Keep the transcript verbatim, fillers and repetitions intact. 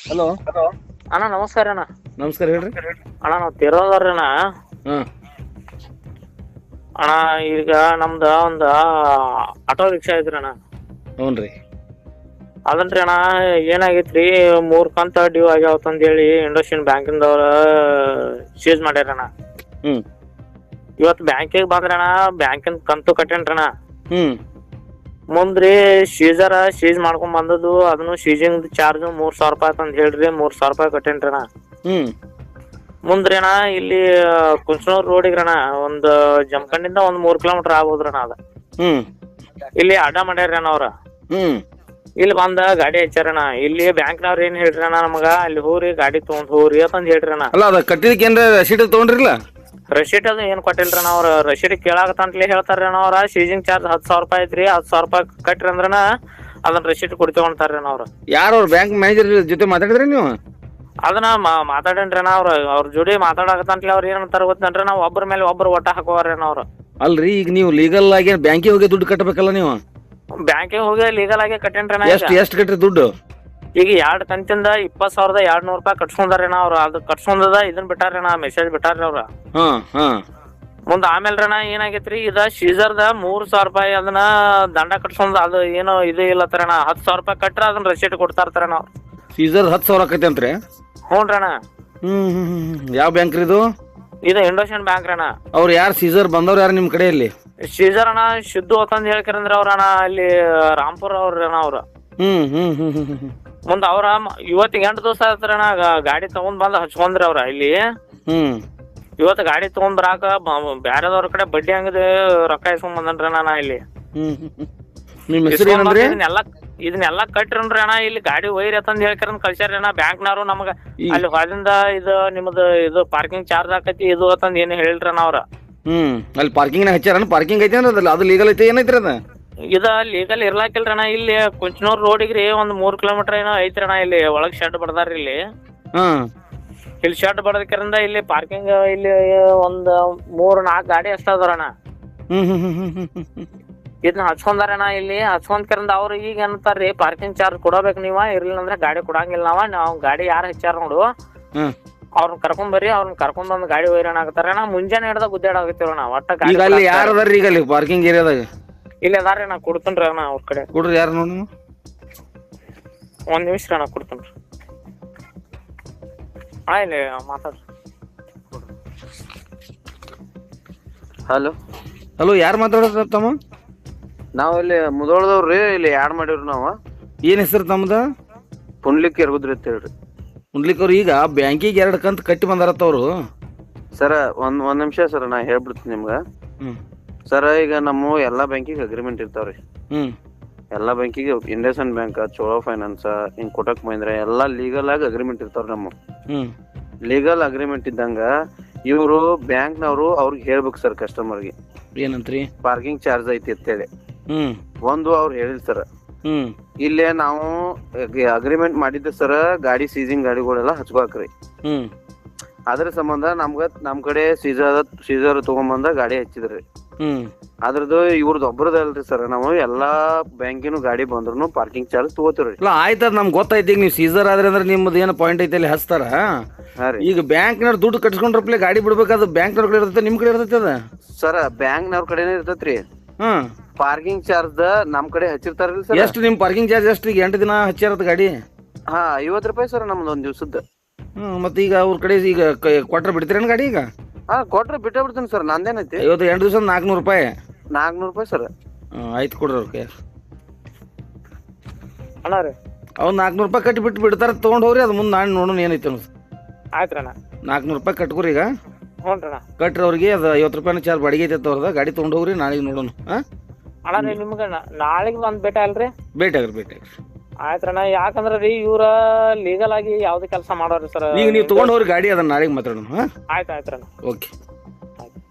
Hello. ಅಣ್ಣ ನಮಸ್ಕಾರ ಅಣ್ಣ. ನಮಸ್ಕಾರ ಹೇಳ್ರಿ. ಅಣ್ಣ ನಾವು ತಿರೋದವ್ರಿ ಅಣ್ಣ. ಹಾಂ ಅಣ್ಣ ಈಗ ನಮ್ದು ಒಂದು ಆಟೋ ರಿಕ್ಷಾ ಐತ್ರಿ ಅಣ್ಣ. ಹ್ಞೂ ರೀ. ಅದನ್ರಿ ಅಣ್ಣ ಏನಾಗೈತ್ರಿ, ಮೂರು ಕಂತ ಡ್ಯೂ ಆಗ್ಯಾವತ್ತಂದು ಹೇಳಿ ಇಂಡೋಸಿಯನ್ ಬ್ಯಾಂಕಿಂದವ್ರ ಸೀಸ್ ಮಾಡ್ಯಾರಣ್ಣ. ಹ್ಞೂ ಇವತ್ತು ಬ್ಯಾಂಕಿಗೆ ಬಂದ್ರಣ್ಣ, ಬ್ಯಾಂಕಿನ ಕಂತು ಕಟ್ಟೇನ್ರಣ್ಣ. ಹ್ಞೂ ಮುಂದ್ರಿ ಸೀಸರ ಸೀಸ್ ಮಾಡ್ಕೊಂಡ್ ಬಂದದ್ದು, ಅದನ್ನು ಸೀಸಿಂಗ್ ಚಾರ್ಜ್ ಮೂರ್ ಸಾವಿರ ರೂಪಾಯಿ ಅಂತ ಹೇಳ್ರಿ, ಮೂರ್ ಸಾವಿರ ರೂಪಾಯಿ ಕಟ್ಟೇನ್ರಣ್ಣ. ಹ್ಞೂ ಮುಂದ್ರಿ ಅಣ್ಣ ಇಲ್ಲಿ ಕುಂಚನೂರ್ ರೋಡಿಗ್ರಣ ಒಂದು ಜಮಖಂಡಿಂದ ಒಂದ್ ಮೂರ್ ಕಿಲೋಮೀಟರ್ ಆಗ್ಬೋದ್ರಣ್ಣ ಅದ. ಹ್ಞೂ ಇಲ್ಲಿ ಅಡ್ಡ ಮಾಡ್ಯಾರ ಅಣ್ಣ ಅವ್ರ. ಹ್ಞೂ ಇಲ್ಲಿ ಬಂದ ಗಾಡಿ ಹಚ್ಚಾರಣ್ಣ. ಇಲ್ಲಿ ಬ್ಯಾಂಕ್ನವ್ರ ಏನ್ ಹೇಳ್ರಿ ಅಣ್ಣ ನಮಗ, ಅಲ್ಲಿ ಹೋರಿ ಗಾಡಿ ತಗೊಂಡ್ ಹೋರಿ ಅಂತಂದ್ ಹೇಳ್ರಿ ಅಣ್ಣ. ಅಲ್ಲ ಅದ ಕಟ್ಟಿದಕ್ಕೆ ಏನ್ರ ರಸೀಟ್ ತೊಗೊಂಡ್ರಿಲ್ಲ? ರಶೀಟ್ ಅದು ಏನ್ ಕೊಟ್ಟಿಲ್ರಣ್ಣ ಅವ್ರ. ರಶೀಟ್ ಕೇಳಾಕತ್ತಂತಲೇ ಹೇಳ್ತಾರ್ರಿ ಅಣ್ಣ ಅವ್ರ. ಸೀಸಿಂಗ್ ಚಾರ್ಜ್ ಹತ್ತು ಸಾವಿರ ರೂಪಾಯಿ ಐತ್ರಿ, ಹತ್ತು ಸಾವಿರ ರೂಪಾಯಿ ಕಟ್ರಿ ಅಂದ್ರನ ಅದನ್ನ ರಶೀಟ್ ಕೊಡ್ತೇವಂತಾರ್ರಿ ಅಣ್ಣ ಅವ್ರ. ಯಾರು ಅವ್ರ ಬ್ಯಾಂಕ್ ಮ್ಯಾನೇಜರ್ ಜೊತೆ ಮಾತಾಡಿದ್ರಿ ನೀವು? ಅದನ್ನ ಮಾತಾಡೇನ್ರಿ ಅಣ್ಣ ಅವ್ರ. ಅವ್ರ ಜೋಡಿ ಮಾತಾಡಕತ್ತಂತಲೇ ಅವ್ರ ಏನಂತಾರ ಗೊತ್ತೇನ್ರಿ, ನಾವು ಒಬ್ಬರ ಮೇಲೆ ಒಬ್ರು ಒಟ್ಟ ಹಾಕೋವ್ರಿ ಅಣ್ಣ ಅವ್ರು. ಅಲ್ರಿ ಈಗ ನೀವು ಲೀಗಲ್ ಆಗಿ ಬ್ಯಾಂಕಿಗೆ ಹೋಗಿ ದುಡ್ಡು ಕಟ್ಟಬೇಕಲ್ಲ ನೀವು? ಬ್ಯಾಂಕಿಗೆ ಹೋಗಿ ಲೀಗಲ್ ಆಗಿ ಕಟ್ಟೇನ್ರಿ ಅಣ್ಣ. ಎಷ್ಟು ಎಷ್ಟು ಕಟ್ರಿ ದುಡ್ಡು? ಈಗ ಎರಡ್ ಕಂತಿಂದ ಇಪ್ಪತ್ ಸಾವಿರದ ಎರಡ್ ನೂರ್ ರೂಪಾಯಿ ಕಟ್ಸ್ಕೊಂಡಾರೇನ ಅವ್ರ. ಅದು ಕಟ್ಸ್ಕೊಂಡದ ಇದನ್ ಬಿಟ್ಟಾರೇನ, ಮೆಸೇಜ್ ಬಿಟ್ಟಾರ್ರಿ ಅವ್ರ. ಹಾ ಹಾ ಮುಂದ ಆಮೇಲ್ರಣ ಏನಾಗೈತ್ರಿ, ಇದ ಸೀಸರ್ದ ಮೂರ್ ಸಾವಿರ ರೂಪಾಯಿ ಅದನ್ನ ದಂಡ ಕಟ್ಸ್ಕೊಂಡ್ ಅದು ಏನೋ ಇದು ಇಲ್ಲತ್ತಾರಣ. ಹತ್ತು ಸಾವಿರ ರೂಪಾಯಿ ಕಟ್ರ ಅದನ್ನ ರಸೀಟ್ ಕೊಡ್ತಾ ಇರ್ತಾರಣ ಅವ್ರು. ಸೀಸರ್ ಹತ್ತು ಸಾವಿರ ಆಕೈತೆ ಅಂತ್ರಿ? ಹ್ಞೂನ್ರಣ. ಹ್ಮ್ ಹ್ಮ್ ಹ್ಮ್ ಯಾವ ಬ್ಯಾಂಕ್ ರೀ ಇದು? ಇದು ಇಂಡೋಸಿಯನ್ ಬ್ಯಾಂಕ್ ರಣ. ಅವ್ರು ಯಾರು ಸೀಸರ್ ಬಂದವ್ರು ಯಾರು ನಿಮ್ಮ ಕಡೆಯಲ್ಲಿ? ಸೀಸರ್ ಅಣ್ಣ ಶುದ್ಧ ಹೊತ್ತಂದ್ ಹೇಳ್ಕರಂದ್ರ ಅವ್ರಣ್ಣ ಅಲ್ಲಿ ರಾಮ್ಪುರ ಅವ್ರಣ್ಣ ಅವ್ರ. ಹ್ಮ್ ಹ್ಮ್ ಹ್ಮ್ ಹ್ಮ್ ಹ್ಮ್ ಮುಂದ ಅವ್ರ ಇವತ್ತಿಗೆ ಎಂಟು ದಿವಸ ಆಯ್ತಾರಣ್ಣ ಗಾಡಿ ತಗೊಂಡ್ ಬಂದ್ ಹಚ್ಕೊಂಡ್ರಿ ಅವ್ರ ಇಲ್ಲಿ. ಹ್ಮ್ ಇವತ್ತು ಗಾಡಿ ತಗೊಂಡ್ ಬರಾಕ ಬ್ಯಾರೆದವ್ರ ಕಡೆ ಬಡ್ಡಿ ಹಂಗದ ರೊಕ್ಕ ಇಸ್ಕೊಂಡ್ ಬಂದನ್ರಿ ನಾ ಇಲ್ಲಿ. ಹ್ಮ್ ನಿಮ್ಮ ಹೆಸರು ಏನಂದ್ರಿ? ಇದನ್ನೆಲ್ಲ ಇದನ್ನೆಲ್ಲ ಕಟ್ರಿನ್ರಿ ಅಣ್ಣ. ಇಲ್ಲಿ ಗಾಡಿ ಒಯ್ರಿ ಅಂತಂದ್ ಹೇಳ್ಕರಂದ್ ಕಳ್ಸ್ಯಾರ ಅಣ್ಣ ಬ್ಯಾಂಕ್ನವ್ರು ನಮಗ. ಅಲ್ಲಿ ಹೊರದಿಂದ ಇದು ನಿಮ್ದು ಇದು ಪಾರ್ಕಿಂಗ್ ಚಾರ್ಜ್ ಆಕತಿ ಇದು ಅಂತಂದ್ ಏನು ಹೇಳ್ರಿ ಅಣ್ಣ ಅವ್ರ. ಹ್ಮ್ ಅಲ್ಲಿ ಪಾರ್ಕಿಂಗ್ ಹಚ್ಚಾರ? ಪಾರ್ಕಿಂಗ್ ಐತೆ ಅಂದ್ರೆ ಅದು ಲೀಗಲ್ ಐತೆ ಏನೈತ್ರಿ ಅದ? ಇದ ಲೀಗಲ್ ಇರ್ಲಾಕಿಲ್ರಿ ಅಣ್ಣ. ಇಲ್ಲಿ ಕುಂಚನೂರ್ ರೋಡಿಗ್ರಿ ಒಂದ್ ಮೂರ್ ಕಿಲೋಮೀಟರ್ ಏನೋ ಐತ್ರಿ ಅಣ್ಣ. ಇಲ್ಲಿ ಒಳಗ್ ಶೆಡ್ ಬಡದಾರ್ರಿ ಇಲ್ಲಿ. ಹ್ಮ್ ಇಲ್ಲಿ ಶೆಡ್ ಬಡದಕ್ಕಿರಂದ ಇಲ್ಲಿ ಪಾರ್ಕಿಂಗ್ ಇಲ್ಲಿ ಒಂದ್ ಮೂರ್ ನಾಲ್ಕು ಗಾಡಿ ಅಷ್ಟ ಅದಾರಣ್ಣ. ಹ್ಮ್ ಹ್ಮ್ ಹ್ಮ್ ಹ್ಮ್ ಹ್ಮ್ ಹ್ಮ್ ಇದನ್ನ ಹಚ್ಕೊಂಡಾರಣ್ಣ ಇಲ್ಲಿ. ಹಚ್ಕೊಂಡ್ಕರಂದ ಅವ್ರು ಈಗ ಏನಂತಾರ್ರಿ, ಪಾರ್ಕಿಂಗ್ ಚಾರ್ಜ್ ಕೊಡಬೇಕು ನೀವ, ಇರ್ಲಿಲ್ಲ ಅಂದ್ರೆ ಗಾಡಿ ಕೊಡಂಗಿಲ್ಲ ನಾವ. ನಾವ್ ಗಾಡಿ ಯಾರು ಹಚ್ಚಾರ ನೋಡು ಹ್ಮ್ ಅವ್ರನ್ನ ಕರ್ಕೊಂಡ್ ಬರ್ರಿ, ಅವ್ರನ್ನ ಕರ್ಕೊಂಡ್ ಬಂದ್ ಗಾಡಿ ಒಯ್ರಣ ಆಗತ್ತಾರ. ನಾ ಮುಂಜಾನೆ ಹಿಡ್ದ ಗುದ್ದಾಡಾಗತ್ತೀವಣ್ಣ ಒಟ್ಟ ಗಾಡಿ. ಈಗ ಅಲ್ಲಿ ಯಾರು ಅದಾರ ಈಗ ಅಲ್ಲಿ ಪಾರ್ಕಿಂಗ್ ಏರಿಯಾದಾಗ? ಇಲ್ಲಿ ಅದಾರ್ರಿ ನಾ ಕೊಡ್ತೇನ್ರಿ ಅಣ್ಣ ಅವ್ರ ಕಡೆ. ಕೊಡ್ರಿ ಯಾರು ನೋಡಿ. ಒಂದ್ ನಿಮಿಷ ಅಣ್ಣ ಕೊಡ್ತೇನ್ರಿ. ಹಾ ಇಲ್ಲಿ ಮಾತಾಡ್ರಿ. ಹಲೋ ಹಲೋ ಯಾರು ಮಾತಾಡೋದು ತಮ್ಮ? ನಾವ್ ಇಲ್ಲಿ ಮುದೋಳದವ್ರಿ, ಇಲ್ಲಿ ಆ್ಯಡ್ ಮಾಡಿವ್ರಿ ನಾವು. ಏನ್ ಹೆಸರು ತಮ್ಮದ? ಪುಂಡ್ಲಿಕ್ ಇರ್ಬೋದ್ರಿ ಅಂತ ಹೇಳ್ರಿ. ಮುಂಡ್ಲಿಕ್ ಅವ್ರು ಈಗ ಬ್ಯಾಂಕಿಗೆ ಎರಡು ಕಂತು ಕಟ್ಟಿ ಬಂದಾರತ್ತ ಅವರು. ಸರ ಒಂದ್ ಒಂದ್ ನಿಮಿಷ ಸರ್, ನಾ ಹೇಳ್ಬಿಡ್ತೀನಿ ನಿಮ್ಗ. ಹ್ಮ್ ಸರ ಈಗ ನಮ್ಮ ಎಲ್ಲಾ ಬ್ಯಾಂಕಿಗೆ ಅಗ್ರಿಮೆಂಟ್ ಇರ್ತಾವ್ರಿ. ಹ್ಮ್ ಎಲ್ಲಾ ಬ್ಯಾಂಕಿಗೆ ಇಂಡಸ್ಇಂಡ್ ಬ್ಯಾಂಕ್, ಚೋಳೋ ಫೈನಾನ್ಸ್, ಹಿಂಗ್ ಕೋಟಕ್ ಮಹೀಂದ್ರ ಎಲ್ಲಾ ಲೀಗಲ್ ಆಗಿ ಅಗ್ರಿಮೆಂಟ್ ಇರ್ತಾವ್ರಿ. ನಮ್ಮ ಹ್ಮ್ ಲೀಗಲ್ ಅಗ್ರಿಮೆಂಟ್ ಇದ್ದಂಗ ಇವ್ರು ಬ್ಯಾಂಕ್ನವ್ರು ಅವ್ರಿಗೆ ಹೇಳ್ಬೇಕು ಸರ್ ಕಸ್ಟಮರ್ಗೆ ಏನಂತ್ರಿ? ಪಾರ್ಕಿಂಗ್ ಚಾರ್ಜ್ ಐತಿ ಅಂತೇಳಿ. ಹ್ಮ್ ಒಂದು ಅವ್ರು ಹೇಳಿಲ್ ಸರ್. ಹ್ಮ್ ಇಲ್ಲೇ ನಾವು ಅಗ್ರಿಮೆಂಟ್ ಮಾಡಿದ್ದೆ ಸರ್, ಗಾಡಿ ಸೀಸಿಂಗ್ ಗಾಡಿಗಳೆಲ್ಲ ಹಚ್ಕೋಕ್ರಿ. ಹ್ಮ್ ಅದ್ರ ಸಂಬಂಧ ನಮ್ಗ ನಮ್ ಕಡೆ ಸೀಸರ್ ಸೀಸರ್ ತಗೊಂಬಂದ ಗಾಡಿ ಹಚ್ಚಿದ್ರಿ. ಹ್ಮ್ ಅದ್ರದ್ದು ಇವ್ರದ್ದು ಒಬ್ರದಲ್ರಿ ಸರ್. ನಾವು ಎಲ್ಲಾ ಬ್ಯಾಂಕಿನ ಗಾಡಿ ಬಂದ್ರು ಪಾರ್ಕಿಂಗ್ ಚಾರ್ಜ್ ತಗೋತೀವ್ರಿ. ಇಲ್ಲ ಆಯ್ತದ ನಮ್ಗೆ ಗೊತ್ತಾಯ್ತು. ಈಗ ನೀವು ಸೀಸರ್ ಆದ್ರೆ ಅಂದ್ರೆ ನಿಮ್ದು ಏನು ಪಾಯಿಂಟ್ ಐತೆ ಅಲ್ಲಿ ಹಚ್ತಾರ. ಹಾ ರೀ. ಈಗ ಬ್ಯಾಂಕ್ನವ್ರು ದುಡ್ಡು ಕಟ್ಸ್ಕೊಂಡ್ರಪ್ಲೆ ಗಾಡಿ ಬಿಡ್ಬೇಕಾದ ಬ್ಯಾಂಕ್ನವ್ರ ಕಡೆ ಇರ್ತೈತೆ, ನಿಮ್ ಕಡೆ ಇರ್ತೈತೆ ಅದ? ಸರ್ ಬ್ಯಾಂಕ್ನವ್ರ ಕಡೆನೇ ಇರ್ತೈತ್ರಿ. ಹ್ಮ್ ಪಾರ್ಕಿಂಗ್ ಚಾರ್ಜ್ ನಮ್ ಕಡೆ ಹಚ್ಚಿರ್ತಾರಲ್ರಿ ಸರ್. ಎಷ್ಟು ನಿಮ್ ಪಾರ್ಕಿಂಗ್ ಚಾರ್ಜ್ ಎಷ್ಟು? ಈಗ ಎಂಟು ದಿನ ಹಚ್ಚಾರದ ಗಾಡಿ? ಹಾ ಐವತ್ ರೂಪಾಯಿ ಸರ್ ನಮ್ದು ಒಂದ್ ದಿವ್ಸದ್ದು. ಹ್ಮ್ ಮತ್ತೆ ಈಗ ಅವ್ರ ಕಡೆ ಈಗ ಕೊಟ್ರೆ ಬಿಡ್ತೀರೇನು ಗಾಡಿ? ಈಗ ಹಾ ಕೊಟ್ರೆ ಬಿಟ್ಟೇ ಬಿಡ್ತೀನಿ ಸರ್, ನಂದೇನೈತಿ. ಐವತ್ತು ಎಂಟು ದಿವಸ ನಾಲ್ಕುನೂರು ರೂಪಾಯಿ ನಾಲ್ಕುನೂರು ರೂಪಾಯಿ ಸರ್. ಹ್ಮ್ ಆಯ್ತು ಕೊಡ್ರಿ ಅವ್ರಿಗೆ. ಅಣ್ಣ ರೀ ಅವ್ನು ನಾಲ್ಕುನೂರು ರೂಪಾಯಿ ಕಟ್ಟಿ ಬಿಟ್ಟು ಬಿಡ್ತಾರೆ, ತೊಗೊಂಡು ಹೋಗ್ರಿ. ಅದು ಮುಂದೆ ನಾನು ನೋಡೋಣ ಏನೈತೆ ಅನ್ನೋದು. ಆಯ್ತ್ರಿ ಅಣ್ಣ. ನಾಲ್ಕುನೂರು ರೂಪಾಯಿ ಕಟ್ಕೊರಿ ಈಗ. ಹ್ಞೂ ರೀ ಅಣ್ಣ. ಕಟ್ರಿ ಅವ್ರಿಗೆ. ಅದು ಐವತ್ತು ರೂಪಾಯಿನ ಚಾರ್ಜ್ ಬಾಡಿಗೆ ಐತೆ ಅವ್ರದ. ಗಾಡಿ ತೊಗೊಂಡು ಹೋಗ್ರಿ, ನಾಳೆಗೆ ನೋಡೋಣ. ಹಾಂ ಅಣ್ಣ ರೀ ನಿಮ್ಗೆ ನಾಳೆಗೆ ಬಂದು ಭೇಟಿ ಅಲ್ರಿ? ಭೇಟಿ ಆಗ್ರಿ ಭೇಟಿ ಆಗ್ರಿ. ಆಯ್ತ್ರಣ್ಣ. ಯಾಕಂದ್ರೆ ರೀ ಇವ್ರ ಲೀಗಲ್ ಆಗಿ ಯಾವ್ದು ಕೆಲಸ ಮಾಡೋರಿ ಸರ್. ಈಗ ನೀವು ತೊಗೊಂಡು ಹೋಗ್ರಿ ಗಾಡಿ, ಅದನ್ನ ನಾಳೆಗೆ ಮಾತಾಡೋಣ. ಹಾಂ ಆಯ್ತು ಆಯ್ತ್ರಣ್ಣ. ಓಕೆ.